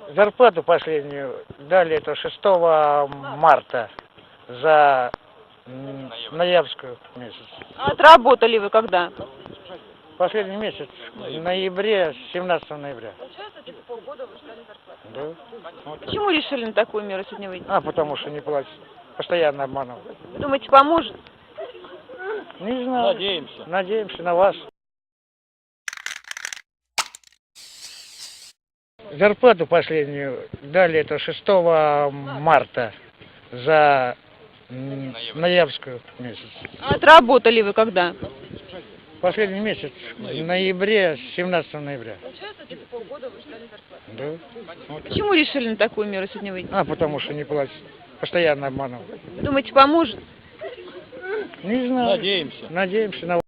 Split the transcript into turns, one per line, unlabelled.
Зарплату последнюю дали это 6 марта за ноябрьскую месяц.
А отработали вы когда?
Последний месяц, в ноябре, 17 ноября.
Получается, типа полгода вы ждали зарплату.
Да. Вот так.
Почему решили на такую меру сегодня выйти?
Потому что не платят. Постоянно обманывают.
Думаете, поможет?
Не знаю.
Надеемся.
Надеемся на вас. Зарплату последнюю дали это 6 марта за ноябрьскую месяц.
А отработали вы когда?
Последний месяц, в ноябре, 17 ноября.
Получается, типа полгода вы ждали зарплату.
Да. Вот так.
Почему решили на такую меру сегодня выйти?
Потому что не платят. Постоянно обманывают.
Думаете, поможет?
Не знаю.
Надеемся.
Надеемся на вас.